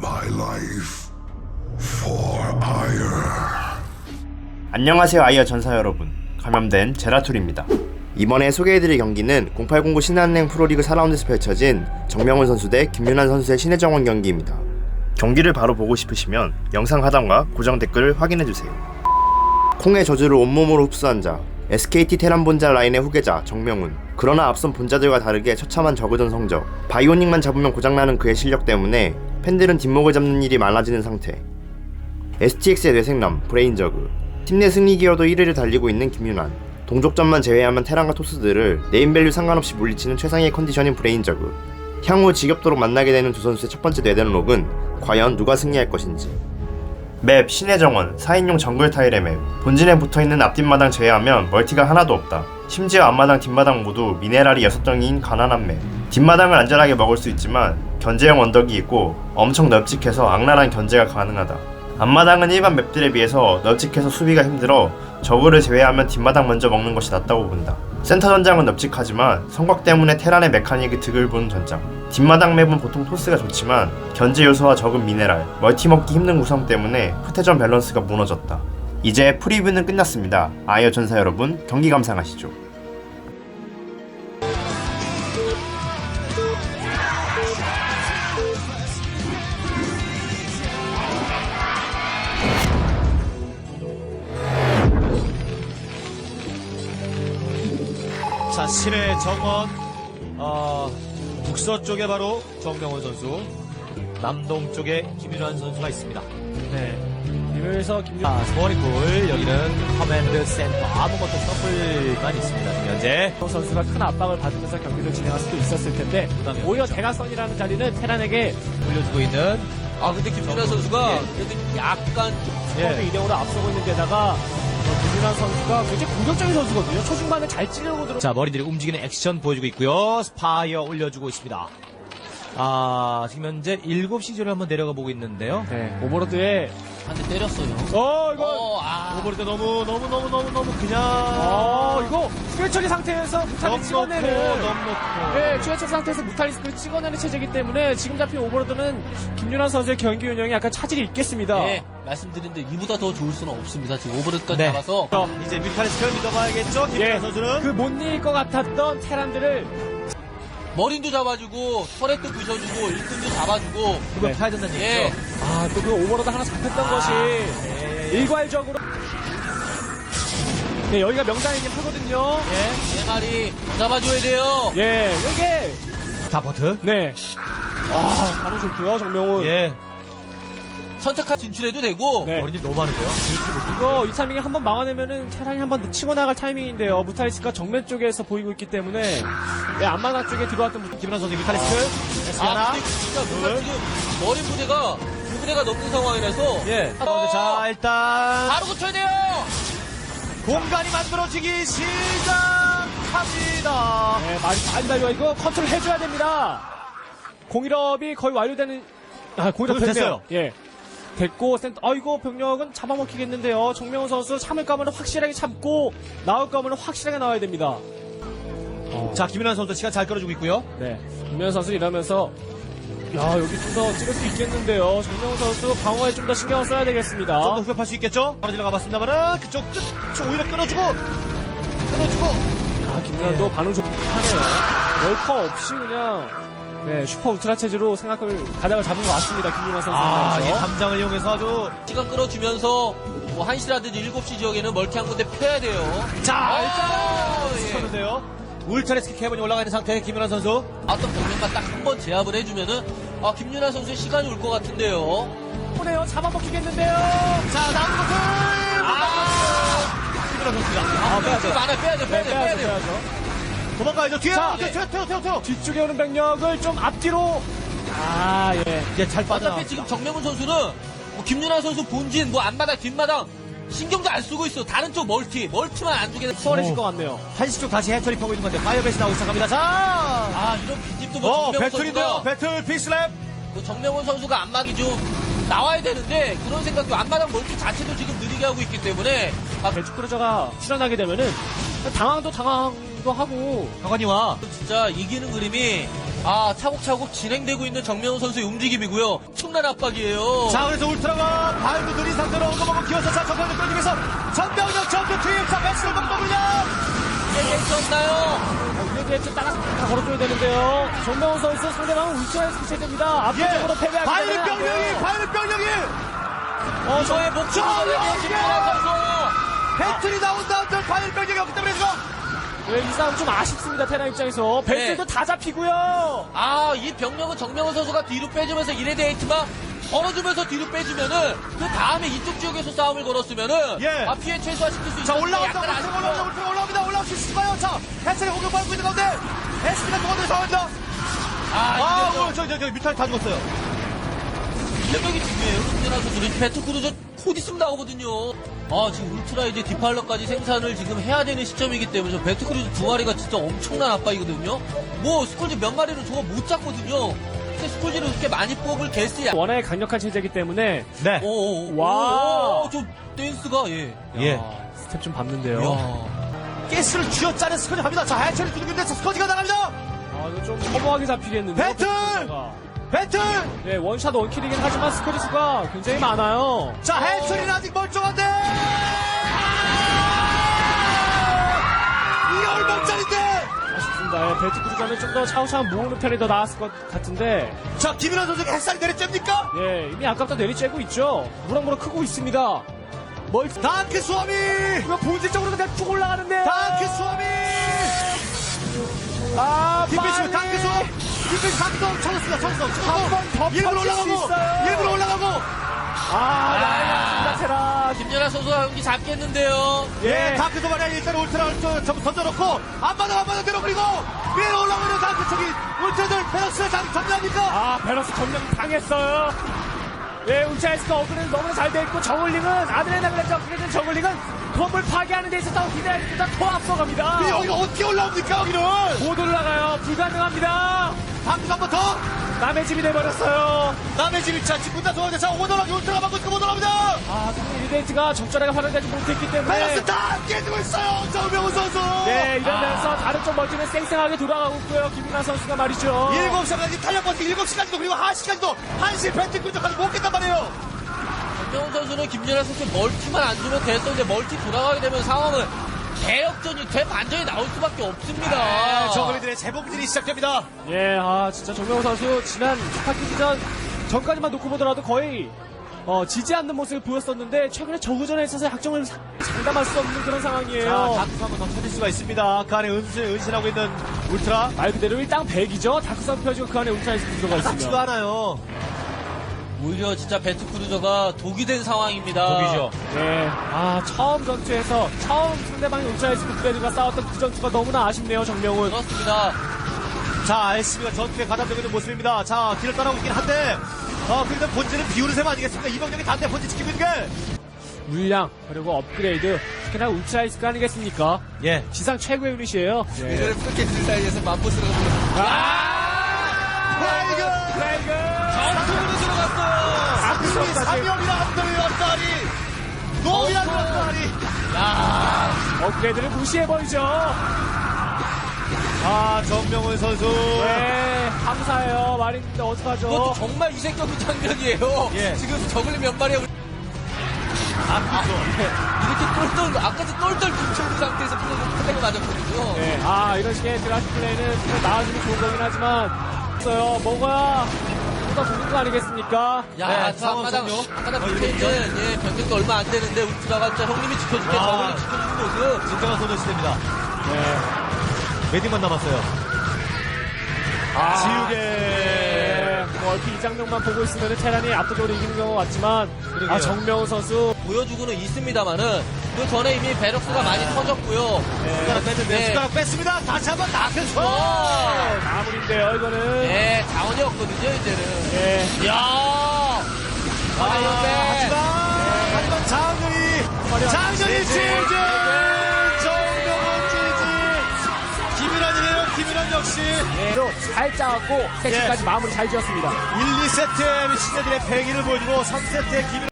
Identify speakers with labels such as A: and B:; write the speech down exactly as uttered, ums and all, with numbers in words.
A: my life for ire.
B: 안녕하세요 아이어 전사 여러분, 감염된 제라툴입니다. 이번에 소개해드릴 경기는 공팔공구 신한은행 프로리그 사 라운드에서 펼쳐진 정명훈 선수 대 김윤환 선수의 신혜정원 경기입니다. 경기를 바로 보고 싶으시면 영상 하단과 고정 댓글을 확인해주세요. 콩의 저주를 온몸으로 흡수한 자, 에스케이티 테란 본자 라인의 후계자 정명훈. 그러나 앞선 본자들과 다르게 처참한 저그전 성적, 바이오닉만 잡으면 고장나는 그의 실력 때문에 팬들은 뒷목을 잡는 일이 많아지는 상태. 에스티엑스의 뇌생남 브레인저그, 팀 내 승리 기여도 일 위를 달리고 있는 김윤환. 동족전만 제외하면 테란과 토스들을 네임밸류 상관없이 물리치는 최상의 컨디션인 브레인저그. 향후 지겹도록 만나게 되는 두 선수의 첫 번째 뇌대록은 과연 누가 승리할 것인지. 맵 신혜정원 사 인용 정글 타일의 맵. 본진에 붙어있는 앞뒷마당 제외하면 멀티가 하나도 없다. 심지어 앞마당 뒷마당 모두 미네랄이 여섯 덩이인 가난한 맵. 뒷마당을 안전하게 먹을 수 있지만 견제형 언덕이 있고 엄청 널찍해서 악랄한 견제가 가능하다. 앞마당은 일반 맵들에 비해서 널찍해서 수비가 힘들어 저그를 제외하면 뒷마당 먼저 먹는 것이 낫다고 본다. 센터 전장은 널찍하지만 성곽 때문에 테란의 메카닉이 득을 보는 전장. 뒷마당 맵은 보통 토스가 좋지만 견제 요소와 적은 미네랄, 멀티 먹기 힘든 구성 때문에 후퇴전 밸런스가 무너졌다. 이제 프리뷰는 끝났습니다. 아이어 전사 여러분, 경기 감상하시죠.
C: 자, 신의 정원, 어, 북서쪽에 바로 정명훈 선수, 남동쪽에 김윤환 선수가 있습니다.
D: 네. 이면서 김
C: 자, 스포닝풀, 여기는 커맨드 센터, 아무것도 서플만 있습니다, 지금 현재.
D: 정 선수가 큰 압박을 받으면서 경기를 진행할 수도 있었을 텐데 오히려 대각선이라는 자리는 테란에게
C: 올려주고 있는,
E: 아 근데 김윤환 선수가 그래도 약간
D: 스코어 이 대 오로 앞서고 있는 데다가 어, 김윤환 선수가 굉장히 공격적인 선수거든요. 초중반에 잘 찌르고 들어.
C: 자, 머리들이 움직이는 액션 보여주고 있고요. 스파이어 올려주고 있습니다. 아, 지금 현재 일곱 시조를 한번 내려가 보고 있는데요.
D: 네. 오버로드에
E: 한 대 때렸어요.
D: 어 이거
E: 어, 아,
C: 오버릴 때 너무, 너무, 너무, 너무, 너무 그냥.
D: 어 이거 추해처리 상태에서 무탈리스 찍어내는.
C: 너무 놓고.
D: 네, 추해처리 상태에서 무탈리스크를 찍어내는 체제이기 때문에 지금 잡힌 오버로드는 김윤환 선수의 경기 운영에 약간 차질이 있겠습니다.
E: 네, 말씀드린 데 이보다 더 좋을 수는 없습니다. 지금 오버로드까지
C: 네.
E: 잡아서
C: 어, 이제 뮤탈리스크를 믿어봐야겠죠, 김윤환
D: 예,
C: 선수는.
D: 그 못 이길 것 같았던 테란들을
E: 머린도 잡아주고 터렛도 부셔주고 일꾼도 잡아주고
C: 그걸
D: 네.
C: 파야 된다는
E: 예,
C: 얘기죠.
D: 아, 또 그 오버로드 하나 잡혔던 것이 일괄적으로. 네, 여기가 명당이긴 하거든요.
E: 예, 네 마리 잡아줘야 돼요.
D: 예, 이게,
C: 다버트.
D: 네. 아, 반응 좋고요, 정명훈.
C: 예.
E: 선착한 진출해도 되고
D: 네.
C: 머리들 너무 많은데요.
D: 이거 이 타이밍에 한번 막아내면은 테란이 한번 치고 나갈 타이밍인데요. 무탈리스크가 정면 쪽에서 보이고 있기 때문에 네, 앞마당 쪽에 들어왔던 무-
C: 김윤환 선수 뮤탈리스크. 에스 하나.
E: 아 근데 진짜 뭔가 지금 머린 부대가 두 부대가 넘는 상황이라서
C: 예.
E: 어,
C: 자, 일단.
E: 바로 고쳐야 돼요.
C: 공간이 만들어지기 시작합니다.
D: 네, 말이 빨리 달려. 이거 컨트롤 해줘야 됩니다. 공일업이 거의 완료되는, 아, 공일업
C: 됐어요.
D: 됐네요. 예. 됐고, 센터, 아이고, 병력은 잡아먹히겠는데요. 정명훈 선수 참을 거면 확실하게 참고, 나올 거면 확실하게 나와야 됩니다.
C: 자, 김윤환 선수 시간 잘 끌어주고 있고요.
D: 네. 김현 선수 이러면서, 야, 여기 좀 더 찍을 수 있겠는데요. 정명훈 선수 방어에 좀 더 신경을 써야 되겠습니다.
C: 좀 더 후벼팔 수 있겠죠? 바로 들어가 봤습니다만은 그쪽 끝, 쪽 오히려 끊어주고, 끊어주고.
D: 아, 김연도
C: 예.
D: 반응 좋긴 하네요. 월커 없이 그냥, 네, 슈퍼 울트라 체제로 생각을, 가닥을 잡은 것 같습니다. 김윤아 선수.
C: 아, 이 담장을 이용해서 아주.
E: 시간 끌어주면서 뭐 한 시라든지 일곱 시 지역에는 멀티 한 군데 펴야 돼요.
C: 자,
E: 아,
C: 일단
E: 예.
C: 쳤는데요. 울트라스키 캐번이 올라가 있는 상태의 김윤환 선수.
E: 어떤 병력만 딱 한 번 제압을 해주면은 아 김윤아 선수의 시간이 올 것 같은데요.
D: 보네요. 잡아먹히겠는데요.
C: 자, 나온 것을. 아, 김윤환 선수가.
E: 아, 빼야죠. 많아 빼야죠,
D: 네,
E: 빼야죠,
D: 빼야죠,
E: 빼야죠.
D: 빼야죠.
C: 도망가야죠. 뒤에.
D: 자,
C: 네. 튀어, 튀어, 튀어, 튀어.
D: 뒤쪽에 오는 병력을 좀 앞뒤로. 아, 예.
C: 이제 잘 빠져.
E: 어차피 지금 정명훈 선수는 뭐 김윤아 선수 본진 뭐 앞마당 뒷마당 신경도 안 쓰고 있어. 다른 쪽 멀티 멀티만 안 주게.
D: 수월해질 것 같네요.
C: 한시 쪽 다시 해처리 펴고 있는 건데 파이어베이스 나오기 시작합니다. 자.
E: 아 이런 빈집도 뭐
C: 어,
E: 정명훈
C: 배틀인데요.
E: 선수가
C: 배틀 빅슬랩.
E: 그 정명훈 선수가 앞마기 좀 나와야 되는데 그런 생각도 앞마당 멀티 자체도 지금 느리게 하고 있기 때문에 아
D: 배축 크루저가 출연하게 되면은 당황도 당황도 하고
C: 강관이와
E: 진짜 이기는 그림이 아, 차곡차곡 진행되고 있는 정명훈 선수의 움직임이고요. 엄청난 압박이에요.
C: 자, 그래서 울트라가 발도 느린 상태로 엉거먹고 기어서 자, 정병력 끌리면서 전병력 전투 투입, 자, 배치를 먹거든요.
E: 세게 있었나요?
D: 우리에게 따라 다 걸어줘야 되는데요. 정명훈 선수 상대방은 울트라에서 체제입니다. 압도적으로 패배하기
C: 바이른 병력이, 바이른 병력이!
E: 어, 저의 목숨을 걸고 김민환 선수.
C: 배틀이 나온다, 저 바이른 병력이 없기 때문에 지금.
D: 네, 이 싸움 좀 아쉽습니다. 테란 입장에서. 배틀도
E: 네.
D: 다 잡히고요.
E: 아, 이 병력은 정명훈 선수가 뒤로 빼주면서 이레드 에이트만 걸어주면서 뒤로 빼주면은 그 다음에 이쪽 지역에서 싸움을 걸었으면은
C: 예.
E: 아, 피해 최소화시킬 수 있는데
C: 자, 올라온다,
E: 약간
C: 울트라
E: 아쉽죠.
C: 올라온다, 울트라 올라옵니다, 올라올 수 있을까요? 자, 해철이 공격받고 있는 가운데, 에스피가 동원돼서 상황입니다.
E: 아,
C: 아,
E: 이제
C: 오늘 저, 저, 저, 뮤탈 다 죽었어요.
E: 실력이 중요해요. 김민환 선수. 배트크루저 곧 있으면 나오거든요. 아, 지금 울트라 이제 디팔러까지 생산을 지금 해야 되는 시점이기 때문에 저 배트크루저 두 마리가 진짜 엄청난 압박이거든요. 뭐 스콜지 몇 마리는 저거 못 잡거든요. 근데 스콜지를 그렇게 많이 뽑을 개수야.
D: 워낙에 강력한 체제이기 때문에.
C: 네.
E: 오오오.
D: 와.
E: 오, 저 댄스가 예.
C: 예.
D: 야, 스텝 좀 밟는데요.
E: 야.
C: 가스를 쥐어짜는 스쿼지 갑니다. 자, 해철이 두들기는데 스쿼지가 나갑니다.
D: 아, 이거 좀 허무하게 잡히겠는데요.
C: 배틀!
D: 배틀가.
C: 배틀!
D: 네, 원샷 원킬이긴 하지만 스쿼지 수가 굉장히 많아요.
C: 자, 해철이는 아직 멀쩡한데! 이게 얼마짜린데!
D: 아쉽습니다. 예, 배트 크루저는 좀 더 차후차후 모으는 편이 더 나았을 것 같은데,
C: 자, 김민환 선수가 햇살이 내리쬐입니까?
D: 예, 이미 아까부터 내리쬐고 있죠. 무럭무럭 크고 있습니다. 멀,
C: 다크 수아미!
D: 이거 본질적으로 그냥 쭉 올라가는데요.
C: 다크 수아미!
D: 아,
C: 뒷배치 다크 수아미! 뒷배치 다크 수아미 찾았습니다, 찾았어, 찾았어! 일부러 올라가고! 일부러 올라가고!
D: 아, 나이가 테라.
E: 김연아 선수가 경기 잡겠는데요.
C: 예, 다크 수아미 일단 울트라를 또 전부 던져놓고, 안 받아, 안 받아, 내려, 그리고! 위에 올라오는 다크 쪽이 울트라들 베럭스를 장 정리합니까?
D: 아, 베러스 점령 당했어요. 예, 울차이스가 업그레이드 너무나 잘 돼 있고, 정글링은 아드레날레즈 업그레이드 정글링은 건물 파괴하는 데 있어서 기대하기보다 더 앞서갑니다.
C: 근데 여기가 어떻게 올라옵니까, 여기는?
D: 못 올라가요. 불가능합니다.
C: 다크 한 번 더!
D: 남의 집이 돼버렸어요.
C: 남의 집 일차 직군다 좋아하는데 자 오더락이 울트라 맞고 있고 오더락입니다.
D: 아, 근데 일데이트가 적절하게 활용되지 못했기 때문에.
C: 베럭스 다 깨지고 있어요 정명훈 선수.
D: 네, 이러면서 다른 쪽 멀티는 쌩쌩하게 돌아가고 있고요. 김민아 선수가 말이죠.
C: 일곱 시까지 탄력 버티 일곱 시까지도 그리고 한 시까지도 한시 벤트 끈적까지 못 깼단 말이에요.
E: 정명훈 선수는 김연아 선수 멀티만 안 주면 됐었는데 멀티 돌아가게 되면 상황은 대역전이 대반전이 나올 수밖에 없습니다.
C: 네, 저그리들의 재봉질이 시작됩니다.
D: 예, 아, 진짜 정명호 선수 지난 스타키전 전까지만 놓고 보더라도 거의 어, 지지 않는 모습을 보였었는데 최근에 저그전에 있어서 약점을 사- 장담할 수 없는 그런
C: 자
D: 상황이에요.
C: 다크 한번 더 터질 수가 있습니다. 그 안에 은신, 은신하고 있는 울트라
D: 말 그대로 일당 백이죠. 다크선 펴지고 그 안에 울트라이스 들어가
C: 딱지도
D: 있으면.
C: 않아요.
E: 오히려 진짜 배트크루저가 독이 된 상황입니다.
C: 독이죠.
D: 예, 아, 처음 전투에서 처음 상대방이 울트라이스 그레드가 싸웠던 그 전투가 너무나 아쉽네요, 정명훈.
E: 그렇습니다.
C: 자 에스피가 전투에 가담되고 있는 모습입니다. 자 길을 따라오고 있긴 한데 어 그래도 본질은 비우는 셈 아니겠습니까? 이병력이 단대 본질 지키고 있는 게.
D: 물량 그리고 업그레이드 특히나 울트라이스가 아니겠습니까?
C: 예.
D: 지상 최고의 유닛이에요. 예.
E: 예전에 프로켓들 사이에서 맘보스가
D: 아!
C: 브레이그!
D: 브레이그!
E: 전투로 들어갔어요.
C: 아크성이 삼명이나 한덩이 왔다리 노이라 왔다리.
E: 야,
D: 업그레이드를 무시해버리죠.
C: 아 정명훈 선수.
D: 네, 감사해요. 말인데
E: 그것도
D: 어떡하죠?
E: 정말 이색적인 장면이에요.
C: 예.
E: 지금 저글링 몇 마리야.
C: 아
E: 이렇게 똘똘, 아까도 똘똘 뭉쳐있는 상태에서 플레이가 맞았거든요.
D: 네, 아, 이런 식의 드라ft 플레이는 정말 나와주면 좋은 거긴 하지만, 있어요. 먹어야 보다 좋은 거 아니겠습니까?
E: 야,
C: 네,
E: 저 앞마당,
C: 상황
E: 앞마당
C: 어,
E: 밑에
C: 이거
E: 있는, 예, 병력도 얼마 안 되는데, 울트라가 진짜 형님이 지켜줄게,
C: 아.
E: 저글링 지켜주는 모습.
C: 진정한 소녀시대입니다.
D: 네.
C: 웨딩만 남았어요.
D: 아,
C: 지우개.
D: 네, 뭐 이렇게 이 장면만 보고 있으면 테란이 압도적으로 이기는 경우가 같지만,
C: 그러게요.
D: 아, 정명훈 선수.
E: 보여주고는 있습니다만은, 그 전에 이미 베럭스가 많이 터졌고요.
C: 숟가락 뺐는데
E: 네.
C: 숟가락 뺐습니다. 다시 한번 나크스.
E: 어,
D: 마무리인데요, 이거는.
E: 예, 자원이 없거든요, 이제는.
D: 예.
E: 이야! 아,
C: 하지만
E: 이런데.
C: 하지만 장윤이 장윤이 지지. 정명훈 지지. 김일환이네요. 김일환 역시
D: 예. 잘 짜갖고, 세트까지 마무리 잘 지었습니다.
C: 일, 이 세트에 신예들의 패기를 보여주고 삼 세트에 김일환